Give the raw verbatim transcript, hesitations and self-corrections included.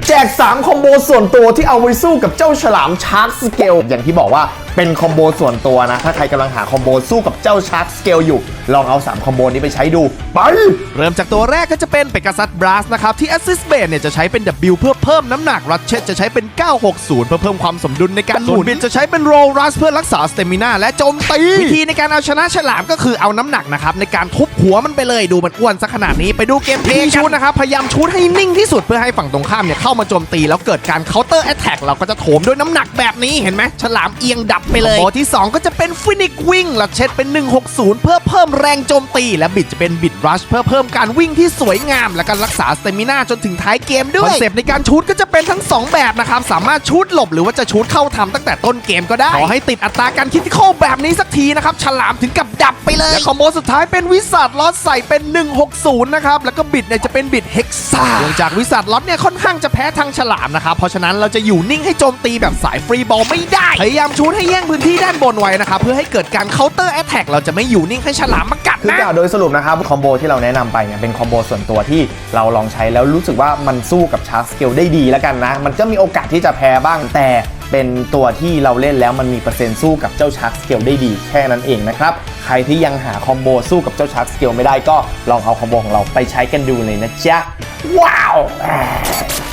แจกสามคอมโบส่วนตัวที่เอาไว้สู้กับเจ้าฉลามชาร์กสเกลอย่างที่บอกว่าเป็นคอมโบส่วนตัวนะถ้าใครกำลังหาคอมโบสู้กับเจ้าชาร์กสเกลอยู่ลองเอาสามคอมโบนี้ไปใช้ดูไปเริ่มจากตัวแรกก็จะเป็นเปกัสซัสบลัสนะครับที่ Assist Base เนี่ยจะใช้เป็น W เพื่อเพิ่มน้ำหนัก Ratchet จะใช้เป็น เก้าหกศูนย์ เพื่อเพิ่มความสมดุลในการหมุนบิดจะใช้เป็น Roll Rush เพื่อรักษา Stamina และโจมตีวิธีในการเอาชนะฉลามก็คือเอาน้ำหนักนะครับในการทุบหัวมันไปเลยดูมันอ้วนซะขนาดนี้ไปดูเกมเพลย์ชูดนะครับพยายามชูดให้นิ่งที่สุดเพื่อให้ฝั่งตรงข้ามเนี่ยเข้ามาโจมตีแล้วเกิดการ Counter Attack เราก็จะโถมด้วยน้ำหนักแบบนี้เห็นไหมฉลามเอียงดับไปเลยคอมโบที่สองก็จะเป็น Phoenix Wing ลัดเช็ดเป็นหนึ่งหกศูนย์เพื่อเพิ่มแรงโจมตีและบิดจะเป็นบิด Rush เพื่อเพิ่มการวิ่งที่สวยงามและการรักษา Stamina จนถึงท้ายเกมด้วยคอนเซปต์ในการชูดก็จะเป็นทั้งสองแบบนะครับสามารถชูดหลบหรือว่าจะชูดเข้าทำตั้งแต่ต้นเกมก็ได้ขอให้ติดอัตราการคิดที่เข้าแบบนี้สักทีนะครับฉลามถึงกับดับไปเลยและคอมโบสุดท้ายเป็นวิสัทล็อตใส่เป็นหนึ่งหกศูนย์นะครับแล้วก็บิดเนี่ยจะเป็นบิดเฮกซ่าเนื่องจากวิสัทล็อตเนี่ยค่อนข้างจะแพ้ทางฉลามนะครับเพราะฉะนั้นเราจะอยู่นิ่งให้โจมตีแบบสายฟรีบอลไม่ได้พยายามชูดให้แย่งพื้นที่ด้านบนไว้นะครับเพื่อให้เกิดการเคาน์เตอร์แอตแทกเราจะไม่อยู่นิ่งให้ฉลามมากัดนะโดยสรุปนะครับคอมโบที่เราแนะนำไปเนี่ยเป็นคอมโบส่วนตัวที่เราลองใช้แล้วรู้สึกว่ามันสู้กับชาร์กสเกลได้ดีแล้วกันนะมันก็มีโอกาสที่จะแพ้บ้างแต่เป็นตัวที่เราเล่นแล้วมันมีเปอร์เซ็นต์สู้กับเจ้าชาร์กสเกลได้ดีแค่นั้นเองนะครับใครที่ยังหาคอมโบสู้กับเจ้าชาร์กสเกลไม่ได้ก็ลองเอาคอมโบของเราไปใช้กันดูเลยนะจ๊ะว้าว